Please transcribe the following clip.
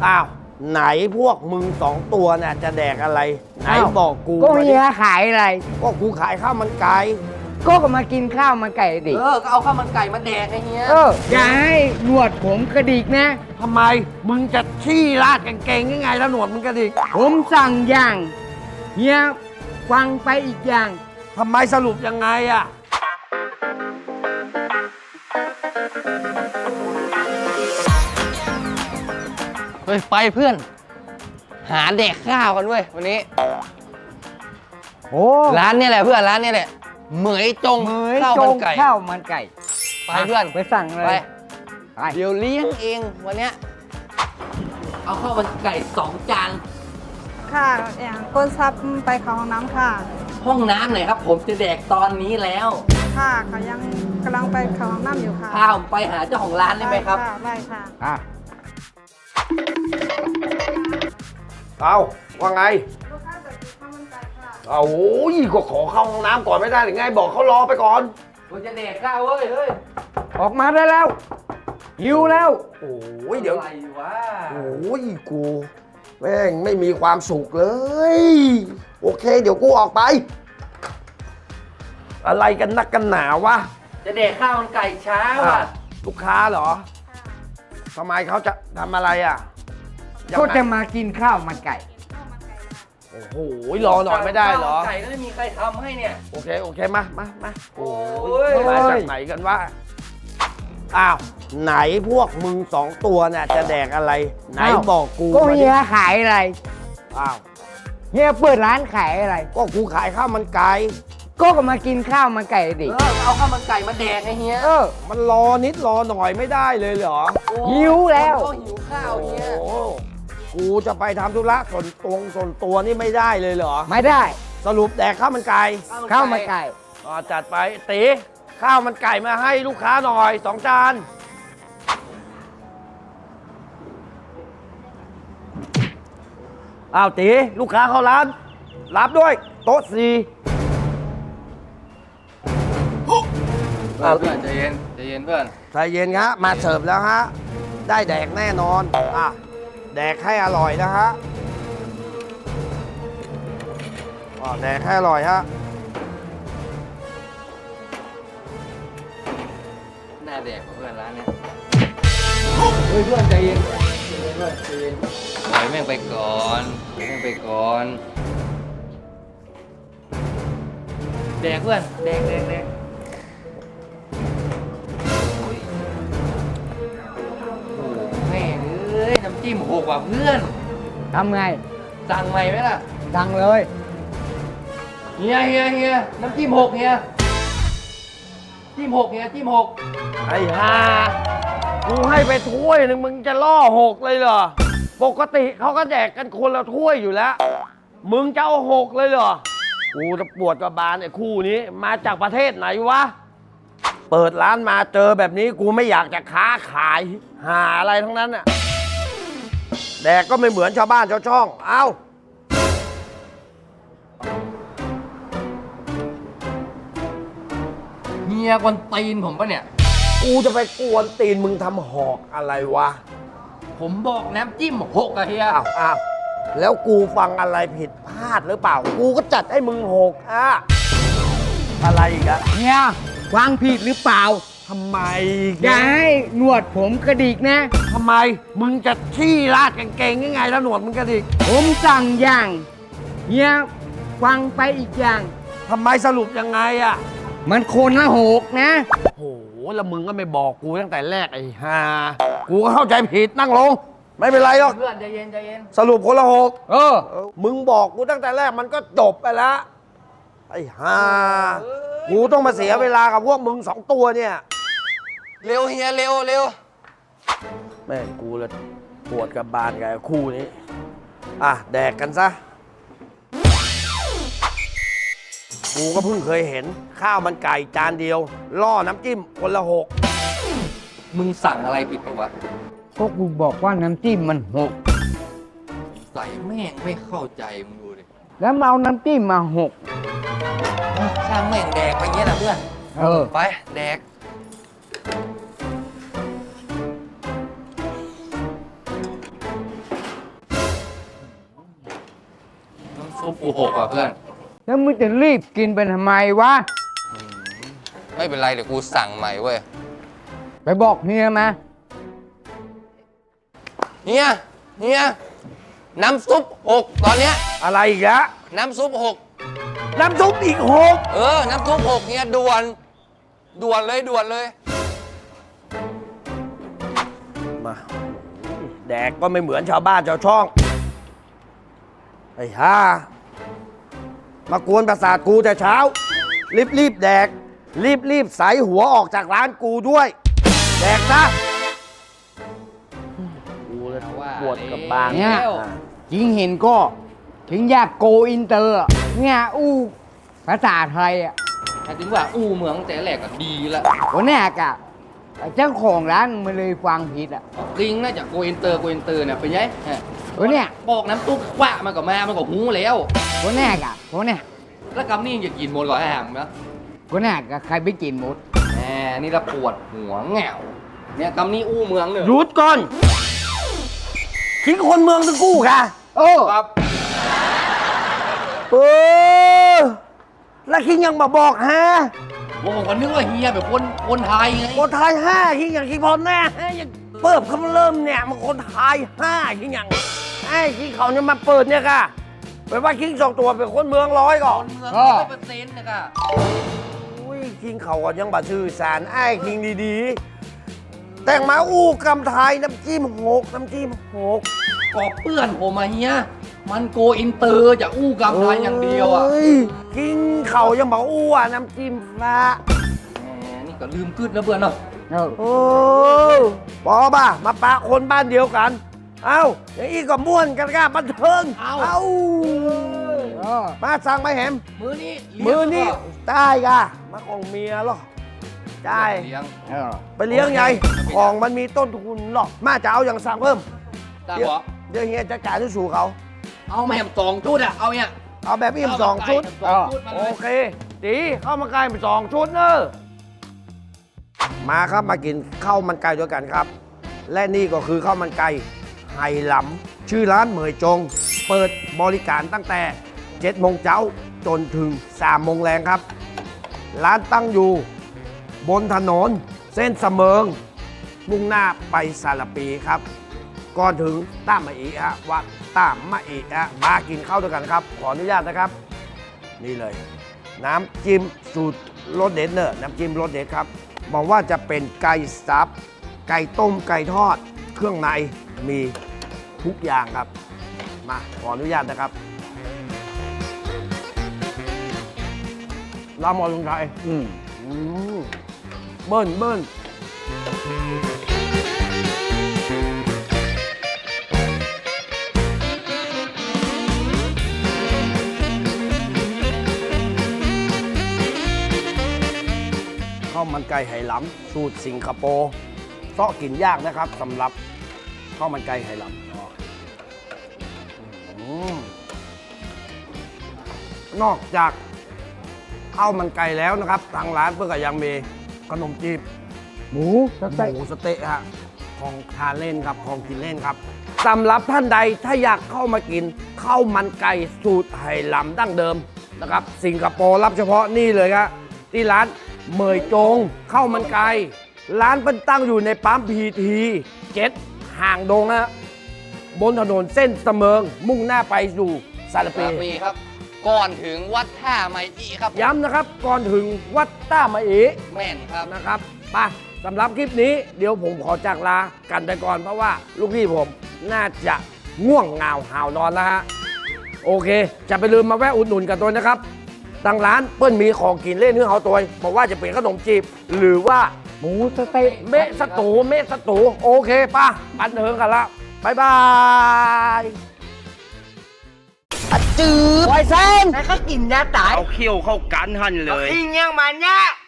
อ้าวไหนพวกมึงสองตัวน่ะจะแดกอะไรไหนบอกกูก็เฮียขายอะไรก็กูขายข้าวมันไก่ก็มากินข้าวมันไก่ดิก็เอาข้าวมันไก่มาแดกไอ้เฮียอย่าให้หนวดผมกระดิกนะทำไมมึงจะขี้ราดกางเกงยังไงแล้วหนวดมึงกระดิกผมสั่งอย่างเฮียฟังไปอีกอย่างทำไมสรุปยังไงอ่ะเฮ้ยไปเพื่อนหาแดกข้าวกันเว้ยวันนี้โอ้ร้านนี้แหละเพื่อนร้านนี้แหละเหมยจงข้าวมันไก่ไปเพื่อนไปสั่งเลยไปเดี๋ยวเลี้ยงเองวันเนี้ยเอาข้าวมันไก่2 จานค่ะอย่างก้นซับไปเข้าห้องน้ำค่ะห้องน้ำไหนครับผมจะแดกตอนนี้แล้วค่ะเขายังกำลังไปเข้าห้องน้ำอยู่ค่ะพาผมไปหาเจ้าของร้านได้ไหมครับได้ค่ะเอาว่าไงลูกค้าจะกินข้าวมันไก่ค่ะเอาโอ้ยก็ขอเข้าห้องน้ำก่อนไม่ได้หรือไงบอกเขารอไปก่อนกูจะแดกข้าวเว้ยเฮ้ยออกมาได้แล้วหิวแล้วโอ้ยเดี๋ยวอะไรวะโอ้ยกูแม่งไม่มีความสุขเลยโอเคเดี๋ยวกูออกไปอะไรกันนักกันหนาวะจะแดกข้าวมันไก่เช้าอ่ะลูกค้าเหรอทำไมเขาจะทำอะไรอ่ะก็จะมากินข้าวมันไก่โอ้โหรอหน่อยไม่ได้เหรอไก่ไม่มีใครทำให้เนี่ยโอเคมาโอ้ยมาจากไหนกันวะอ้าวไหนพวกมึงสองตัวเนี่ยจะแดกอะไรไหนบอกกูก็เฮียขายอะไรอ้าวเฮียเปิดร้านขายอะไรก็กูขายข้าวมันไก่ก็มากินข้าวมันไก่ดิเอาข้าวมันไก่มาแดกไอ้เฮียมันรอนิดรอหน่อยไม่ได้เลยเหรอหิวแล้วก็หิวข้าวเฮียกูจะไปทำธุระส่วนตัวนี่ไม่ได้เลยเหรอไม่ได้สรุปแดกข้าวมันไก่ข้าวมันไก่จัดไปตีข้าวมันไก่มาให้ลูกค้าหน่อย2 จานอ้าวตีลูกค้าเข้าร้านรับด้วยโต๊ะ4 เพื่อนใจเย็นเพื่อนใจเย็นฮะมาเสิร์ฟแล้วฮะได้แดกแน่นอนแดกให้อร่อยนะฮะแดกให้อร่อยฮะน่าแดกเพื่อนร้านเนี้ยเฮ้ยเพื่อนใจเย็นเพื่อนใจเย็นปล่อยแม่งไปก่อนแดกเพื่อนแดกแม่งเอ้ยน้ำจิ้ม6ว่ะเพื่อนทำไงสั่งใหม่ไหมล่ะสั่งเลยเฮียน้ำจิ้ม6เฮียจิ้ม6เฮียจิ้ม6 ไอ้ห่ากูให้ไปถ้วยหนึ่งมึงจะล่อ6เลยเหรอปกติเขาก็แดกกันคนละถ้วยอยู่แล้วมึงจะเอา6เลยเหรอกูจะปวดกระบาลไอ้คู่นี้มาจากประเทศไหนวะเปิดร้านมาเจอแบบนี้กูไม่อยากจะค้าขายหาอะไรทั้งนั้นน่ะแดกก็ไม่เหมือนชาวบ้านชาวช่องเอ้าเฮียกวนตีนผมปะเนี่ยกูจะไปกวนตีนมึงทำหอกอะไรวะผมบอกน้ำจิ้ม6อะเฮียอ้าวแล้วกูฟังอะไรผิดพลาดหรือเปล่ากูก็จัดให้มึง6อะไรอีกอะเฮียฟังผิดหรือเปล่าทำไมอย่าให้หนวดผมกระดิกนะทำไมมึงจะขี้ราดกางเกงยังไงแล้วหนวดมึงกระดิกผมสั่งอย่างเฮียฟังไปอีกอย่างทำไมสรุปยังไงอะมันคนละ6นะโหแล้วมึงก็ไม่บอกกูตั้งแต่แรกไอ้ห่ากูก็เข้าใจผิดนั่งลงไม่เป็นไรหรอกเพื่อนใจเย็นสรุปคนละ6มึงบอกกูตั้งแต่แรกมันก็จบไปแล้วไอ้ห่ากูต้องมาเสียเวลากับพวกมึง2 ตัวเนี่ยเร็วเฮียเร็วแม่งกูเลยปวดกับบานกับคู่นี้แดกกันซะกูก็เพิ่งเคยเห็นข้าวมันไก่จานเดียวล่อน้ำจิ้มคนละ 6มึงสั่งอะไรผิดปะวะก็กูบอกว่าน้ำจิ้มมันใส่แม่งไม่เข้าใจมึงดูดิแล้วเอาน้ำจิ้มมาช่างแม่งแดกไปเงี้ยนะเพื่อนไปแดกซุปกูหกอ่ะเพื่อนแล้วมึงจะรีบกินไปทำไมวะไม่เป็นไรเดี๋ยวกูสั่งใหม่เว้ยไปบอกเฮียมาเฮียน้ำซุปหกตอนเนี้ยอะไรอีกแล้วน้ำซุปหกน้ำซุปอีกหกน้ำซุปหกเฮียด่วนเลยมาแดกก็ไม่เหมือนชาวบ้านชาวช่องไอ้ห่ามากวนประสาทกูแต่เช้า รีบแดก รีบใส่หัวออกจากร้านกูด้วย แดกซะกูเลยปวดกับบางเนี่ยอ่ะจริงเห็นก็ ถึงอยากโกอินเตอร์อะเนี่ยอู้ภาษาไทยอ่ะถ้าถึงว่าอู้เมืองแต่แรกก็ดีละวันแรกอ่ะเจ้าของร้านมันเลยฟังผิดอ่ะจริงน่าจะโกอินเตอร์เนี่ยเป็นไงวันเนี้ยบอกน้ำซุปว่ามันก็มันก็หูแล้ววันแรกอ่ะวันเนี้ยแล้วกำนี่จะกินหมดก่อนแหมนะวันแรกอะใครไปกินหมดแหมนี่ละปวดหัวแง่วเนี่ยกำนี่อู้เมืองเนี่ยหยุดก่อนทิ้งคนเมืองทั้งกู้ค่ะโอ้ครับเออแล้วคิงยังมาบอกฮะผมก็นึกว่าเฮียแบบคนไทยไงคนไทยห้าคิงอย่างคิงพอแน่ฮะยังเปิดเขาเริ่มเนี่ยมันคนไทยห้าคิงอย่างไอ้คิงเขาเนี่ยมาเปิดเนี่ยค่ะเป็นว่าคิงสองตัวเป็นคนเมืองร้อยก่อนเมือง100%นะคะอุ้ยคิงเขาก็ยังบาชื่อสารไอ้คิงดีๆ แต่งมาอู้กำไทยน้ำจิ้มหกก็เพื่อนผมมาเฮียมันโกอินเตอร์จะอู้กำไทยอย่างเดียวอ่ะฮ้คิงเขายังบอกอู้อ่ะน้ำจิ้มฟ้าแหมนี่ก็ลืมกึดแล้วเพื่อนเนาะเออโอ้ปอป่ะมาปะคนบ้านเดียวกัน เอ้าอย่างนี้ก็ม่วนกันก้าบันเทิงเออมาสั่งมาแหมมือนี้มือนี่ได้กะมาของเมียหรอได้เลี้ยงเออไปเลี้ยงไงของมันมีต้นทุนหรอกมาจะเอาอย่างสั่งเพิ่มตาเดี๋ยวบอกเดี๋ยวเฮียจะจ่ายที่สู่เขาเอามาแหม2 ชุดอ่ะเอาเนี่ยเอาแบบอิ่มสองชุดเอาแบบไก่2 ชุดมาโอเลยเคตีข้าวมันไก่ไป2 ชุดเนอะมาครับมากินข้าวมันไก่ด้วยกันครับ และนี่ก็คือข้าวมันไก่ไหหลำชื่อร้านเหมยจง เปิดบริการตั้งแต่7 โมงเช้าจนถึง3 โมงแรงครับ ร้านตั้งอยู่บนถนนเส้นเสมิงมุ่งหน้าไปสารปีครับ ก่อนถึงต้ามะอีฮะวัดต้ามะอีฮะมากินข้าวด้วยกันครับ ขออนุญาตนะครับ นี่เลย น้ำจิ้มสูตรรสเด็ดเนอะน้ำจิ้มรสเด็ดครับบอกว่าจะเป็นไก่สับ ไก่ต้มไก่ทอด เครื่องในมีทุกอย่างครับ มาขออนุญาตนะครับลาหมอลุงไทยอืมเบิ้ลข้าวมันไก่ไหหลำสูตรสิงคโปร์เซาะกินยากนะครับสำหรับข้าวมันไก่ไหหลำนอกจากข้าวมันไก่แล้วนะครับ ทางร้านเพื่อก็ยังมีขนมจีบหมูสเต็กหมูสะเต๊ะฮะของทานเล่นครับของกินเล่นครับสำหรับท่านใดถ้าอยากเข้ามากินข้าวมันไก่สูตรไหหลำดั้งเดิมนะครับ สิงคโปร์รับเฉพาะนี่เลยครับที่ร้านเหมยจงข้าวมันไก่ร้านเป็นตั้งอยู่ในปั๊มPT7ห่างดงฮะบนถนนเส้นเสมิงมุ่งหน้าไปสู่สารปีปีครับ ก่อนถึงวัดท่าไมอีครับย้ำนะครับก่อนถึงวัดต้ามะเอแม่นครับนะครับไปสำหรับคลิปนี้เดี๋ยวผมขอจากลากันไปก่อนเพราะว่าลูกพี่ผมน่าจะง่วงเหงาหาวนอนแล้วฮะโอเค จะไปลืมมาแวะอุดหนุนกันตัวนะครับทางร้านเปิ้ลมีของกินเล่นเนื้อเอาตัวบอกว่าจะเป็นขนมจีบ หรือว่าหมูสเต็กเมะสตูโอเคป่ะบันเทิงกันละบายบายจืดไวเซนแล้วก็กินยาตายเอาเขี้ยวเข้ากันหันเลยอิงยังมันเนี่ย